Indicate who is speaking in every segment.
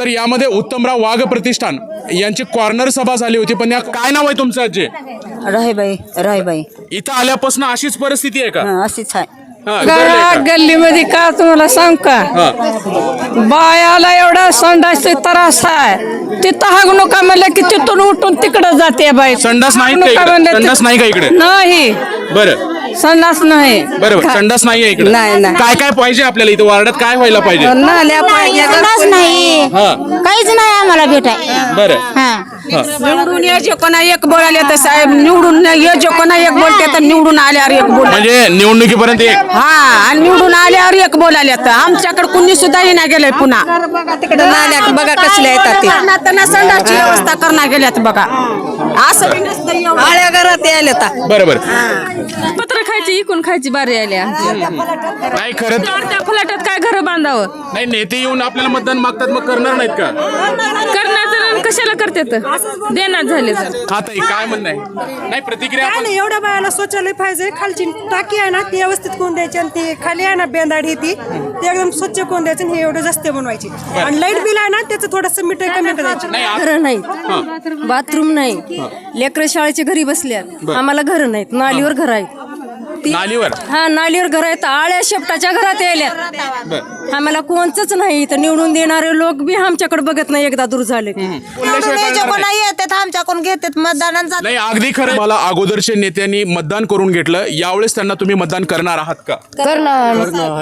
Speaker 1: तर यामध्ये उत्तमराव वाघ प्रतिष्ठान यांची कॉर्नर सभा झाली होती. पण या काय नाव आहे तुमचं आजी?
Speaker 2: राहीबाई
Speaker 1: इथं आल्यापासून अशीच परिस्थिती आहे का?
Speaker 2: अशीच आहे.
Speaker 3: गल्लीमध्ये का तुम्हाला सांग का बायाला एवढा संडासचा त्रास आहे. तिथं हागू नका म्हणलं की तिथून उठून तिकडं जाते बाई.
Speaker 1: संडास नाही का
Speaker 3: नका
Speaker 1: इकडे?
Speaker 3: म्हणलं
Speaker 1: संडास नाही का इकडे?
Speaker 3: नाही
Speaker 1: बरं
Speaker 3: संडास नाही.
Speaker 1: बरोबर, संडास नाहीये इकडे.
Speaker 2: नाही, नाही.
Speaker 1: काय काय पाहिजे आपल्याला इथं वार्डात? काय व्हायला पाहिजे?
Speaker 2: नाल्या पाहिजे
Speaker 4: नाही
Speaker 1: हा
Speaker 4: काहीच नाही आम्हाला भेटाय.
Speaker 1: बरं
Speaker 3: निवडून ये जे कोणा एक बोलायला तर साहेब निवडून ये जे कोणा एक बोलते तर निवडून आल्यावर एक बोल.
Speaker 1: म्हणजे निवडणुकीपर्यंत एक
Speaker 3: हा आणि निवडून आल्यावर एक बोलायला तर आमच्याकडे कुणी सुद्धा येणार गेलंय पुन्हा.
Speaker 2: तिकडे नाल्यात बघा कसल्या येतात ते.
Speaker 3: त्यांना संडासची व्यवस्था करणार गेल्यात बघा. असं बी नसतं एवढं.
Speaker 2: आळ्या घरात यायला आता.
Speaker 1: बरोबर.
Speaker 5: पत्र खायची इकून खायची बारी आली आमची.
Speaker 1: नाही खरं
Speaker 5: त्या फलाटात काय घर बांधावं
Speaker 1: नाही, नेते येऊन आपल्याला मतदान मागतात, मग करणार नाहीत का?
Speaker 5: करणार तर कशाला करतात देणार झाले तर.
Speaker 1: हा ताई काय म्हणणं आहे? नाही प्रतिक्रिया आपण
Speaker 6: एवढ्या बायाला शौचालय पाहिजे. खालची टाकी आहे ना ती व्यवस्थित कोण द्यायची आणि ती खाली आहे ना बेंदाडी ती एकदम स्वच्छ कोण द्यायचं आणि हे एवढे जास्त बनवायची. आणि लाईट बिल आहे ना त्याचं थोडस मीटर कमी करायचं.
Speaker 1: नाही
Speaker 5: घर नाही, बाथरूम नाही, लेकर शाळेच्या घरी बसल्यात, आम्हाला घर नाहीत, नालीवर घर आहेत.
Speaker 1: नालीवर
Speaker 5: हा नालीवर घर आहेत, आळ्या शेपटाच्या घरात यायल्यात. आम्हाला कोणचंच नाही तर निवडून देणारे लोक बी आमच्याकडे बघत नाही. एकदा दूर झाले
Speaker 2: येतात आमच्याकडून घेतात मतदानांचा.
Speaker 1: नाही अगदी खरं. मला अगोदरच्या नेत्यांनी मतदान करून घेतलं, यावेळेस त्यांना तुम्ही मतदान करणार आहात का?
Speaker 5: करणार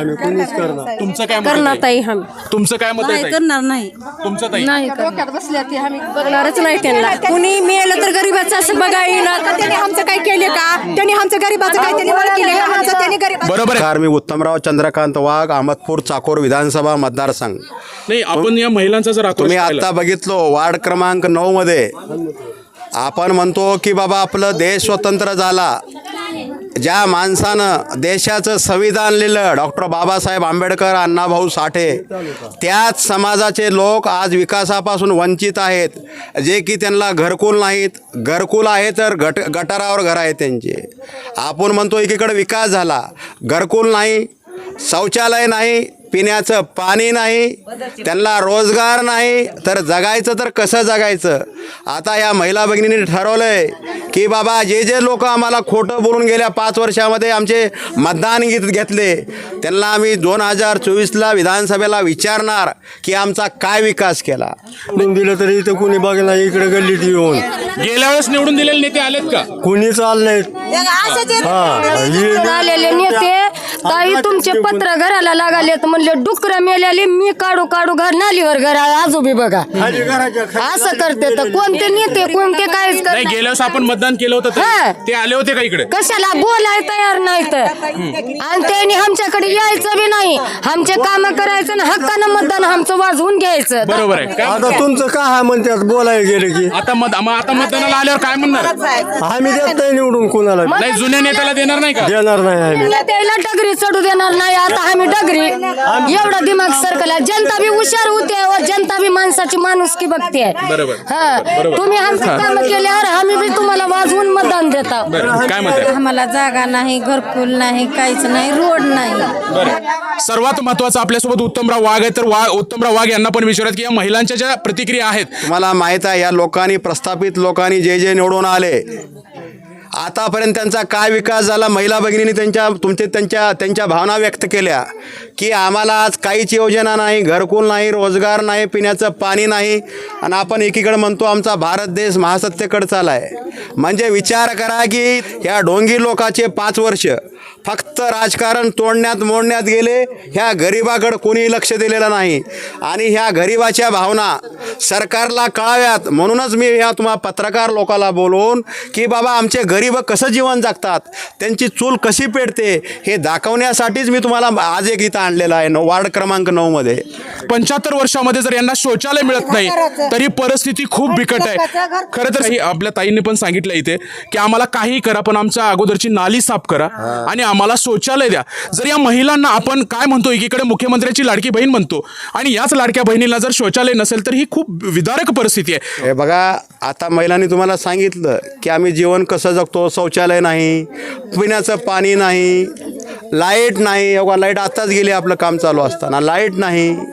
Speaker 1: तुमचं काय मत आहे
Speaker 5: करणार
Speaker 1: ताई?
Speaker 5: ताई आम्ही
Speaker 1: तुमचं काय मत आहे ताई?
Speaker 2: करणार नाही.
Speaker 1: तुमचं ताई?
Speaker 5: नाही डोक्यात बसल्या ती आम्ही बघणारच नाही त्यांना. कुणी मिळालं तर गरीबाचं असं बघा येणार.
Speaker 6: त्यांनी आमचं काय केले का? त्यांनी आमचं गरीबाचं काय त्यांनी केलं का? आमचं त्यांनी गरीब
Speaker 1: बरोबर आहे.
Speaker 7: मी उत्तमराव चंद्रकांत वाघ, अहमदपूर चाकोर विधानसभा मतदारसंघ.
Speaker 1: नाही आपण या महिलांचा जर आक्रोश
Speaker 7: तुम्ही
Speaker 1: पाहिला-
Speaker 7: आता बघितलो वार्ड क्रमांक 9 मध्ये आपण म्हणतो की बाबा आपलं देश स्वतंत्र झाला, ज्या माणसानं देशाचं संविधान लिहिलं डॉक्टर बाबासाहेब आंबेडकर, अण्णाभाऊ साठे, त्याच समाजाचे लोक आज विकासापासून वंचित आहेत. जे की त्यांना घरकुल नाहीत, घरकुल आहे तर गटारावर घर आहे त्यांचे. आपण म्हणतो एकीकडे विकास झाला, घरकुल नाही, शौचालय नाही, पिण्याचं पाणी नाही, त्यांना रोजगार नाही, तर जगायचं तर कसं जगायचं? आता या महिला भगिनींनी ठरवलं आहे की बाबा जे जे लोक आम्हाला खोटं बोलून गेल्या 5 वर्षामध्ये आमचे मतदान घेतले त्यांना आम्ही 2024ला विधानसभेला विचारणार की आमचा काय विकास केला.
Speaker 8: दिलं तरी इथं कुणी बघणार. इकडे गल्लीत येऊन
Speaker 1: गेल्या वेळेस निवडून दिलेले नेते आलेत का?
Speaker 8: कुणी चाललंय.
Speaker 5: आलेले नेते ताई तुमचे पत्र घराला लागालेत म्हणले डुकरं मेलेले मी काढू काढू घर नालीवर घर आजोबी बघा असं करते. तर कोणते नेते कोणते काय
Speaker 1: नाही गेल्या वेळेस आपण मतदान केलं होतं
Speaker 5: हा.
Speaker 1: ते आले होते का इकडे?
Speaker 5: कशाला बोलाय तयार नाही तर. आणि त्यांनी आमच्याकडे यायचं बी नाही, आमचे काम करायचं ना हक्कानं मतदान आमचं वाजवून घ्यायचं.
Speaker 1: बरोबर आहे का?
Speaker 8: आता तुमचं काय म्हणतात बोलायला गेले की
Speaker 1: आता आता मतदानाला आल्यावर काय म्हणणार?
Speaker 8: आम्ही देत नाही निवडून कोणाला.
Speaker 1: नाही जुन्या नेत्याला देणार नाही का?
Speaker 8: देणार नाही आम्ही.
Speaker 5: त्याला डगरी चढू देणार नाही. आता आम्ही डगरी एवढा दिमाग सरकला. जनता बी हुशार होते व जनता बी माणसाची माणुसकी बघते.
Speaker 1: बरोबर.
Speaker 5: हा तुम्ही आमचं काम केल्यावर आम्ही बी तुम्हाला वाजवून मतदान देतो.
Speaker 1: बरं काय म्हणते?
Speaker 5: आम्हाला जागा नाही, घरकुल नाही, काहीच नाही, रोड नाही.
Speaker 1: बरं सर्वात महत्वाचं आपल्यासोबत उत्तमराव वाघ आहे, तर उत्तमराव वाघ यांना पण विचारत की या महिलांच्या ज्या प्रतिक्रिया आहेत
Speaker 7: तुम्हाला माहीत आहे या लोकांनी, प्रस्थापित लोकांनी जे जे निवडून आले आतापर्यंत त्यांचा काय विकास झाला. महिला भगिनींनी त्यांच्या भावना व्यक्त केल्या की आम्हाला आज काहीच योजना नाही, घरकुल नाही, रोजगार नाही, पिण्याचं पाणी नाही. आणि आपण एकीकडे म्हणतो आमचा भारत देश महासत्तेकडे चालला आहे. म्हणजे विचार करा की ह्या ढोंगी लोकांचे 5 वर्ष फक्त राजकारण तोडण्यात मोडण्यात गेले. ह्या गरिबाकडे कोणी लक्ष दिलेलं नाही आणि ह्या गरिबाच्या भावना सरकारला कळाव्यात म्हणूनच मी ह्या पत्रकार लोकांना बोलवून की बाबा आमचे गरीब कसं जीवन जगतात, त्यांची चूल कशी पेटते हे दाखवण्यासाठीच मी तुम्हाला आज एक इथं आणलेलं आहे. वार्ड क्रमांक 9 मध्ये
Speaker 1: 75 वर्षामध्ये जर यांना शौचालय मिळत नाही तरी परिस्थिती खूप बिकट आहे. खरं तर आपल्या ताईंनी पण सांगितलं इथे की आम्हाला काही करा पण आमच्या अगोदरची नाली साफ करा आणि आम्हाला शौचालय द्या. जर या महिलांना आपण काय म्हणतो एकीकडे मुख्यमंत्र्याची लाडकी बहीण म्हणतो आणि याच लाडक्या बहिणीला जर शौचालय नसेल तर ही खूप विदारक परिस्थिती आहे.
Speaker 7: हे बघा आता महिलांनी तुम्हाला सांगितलं की आम्ही जीवन कसं जगतो. शौचालय नाही, पिण्याचं पाणी नाही, लाईट नाही. लाईट आत्ताच गेली आपलं काम चालू असताना लाईट नाही.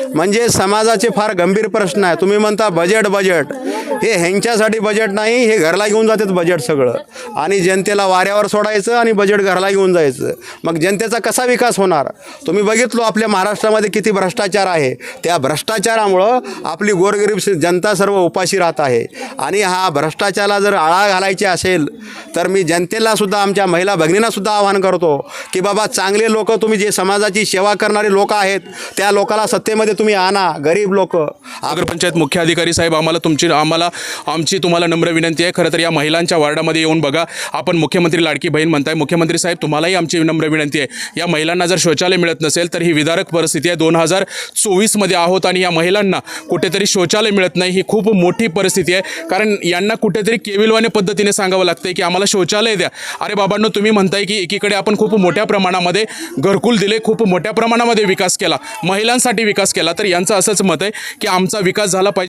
Speaker 7: म्हणजे समाजाचे फार गंभीर प्रश्न आहे. तुम्ही म्हणता बजेट हे ह्यांच्यासाठी बजेट नाही, हे घरला घेऊन जातात बजेट सगळं आणि जनतेला वाऱ्यावर सोडायचं आणि बजेट घरला घेऊन जायचं. मग जनतेचा कसा विकास होणार? तुम्ही बघितलो आपल्या महाराष्ट्रामध्ये किती भ्रष्टाचार आहे. त्या भ्रष्टाचारामुळं आपली गोरगरीब जनता सर्व उपाशी राहत आहे. आणि हा भ्रष्टाचाराला जर आळा घालायची असेल तर मी जनतेला सुद्धा, आमच्या महिला भगिनींना सुद्धा आवाहन करतो की बाबा चांगले लोक, तुम्ही जे समाजाची सेवा करणारे लोक आहेत त्या लोकांना सत्तेमध्ये तुम्ही आणा. गरीब लोक.
Speaker 1: नगरपंचायत मुख्य अधिकारी साहेब, आमची तुम्हाला नम्र विनंती आहे. खरं तर या महिलांच्या वार्डामध्ये येऊन बघा. आपण मुख्यमंत्री लाडकी बहीण म्हणताय. मुख्यमंत्री साहेब, तुम्हालाही आमची नम्र विनंती आहे. या महिलांना जर शौचालय मिळत नसेल तर ही विदारक परिस्थिती आहे. 2024 आहोत आणि या महिलांना कुठेतरी शौचालय मिळत नाही. ही खूप मोठी परिस्थिती आहे. कारण यांना कुठेतरी केविलवाने पद्धतीने सांगावं लागतंय की आम्हाला शौचालय द्या. अरे बाबांनो, तुम्ही म्हणताय की एकीकडे आपण खूप मोठ्या प्रमाणामध्ये घरकुल दिले, खूप मोठ्या प्रमाणामध्ये विकास केला, महिलांसाठी विकास केला, तर यांचं असंच मत आहे की आमचा विकास झाला पाहिजे.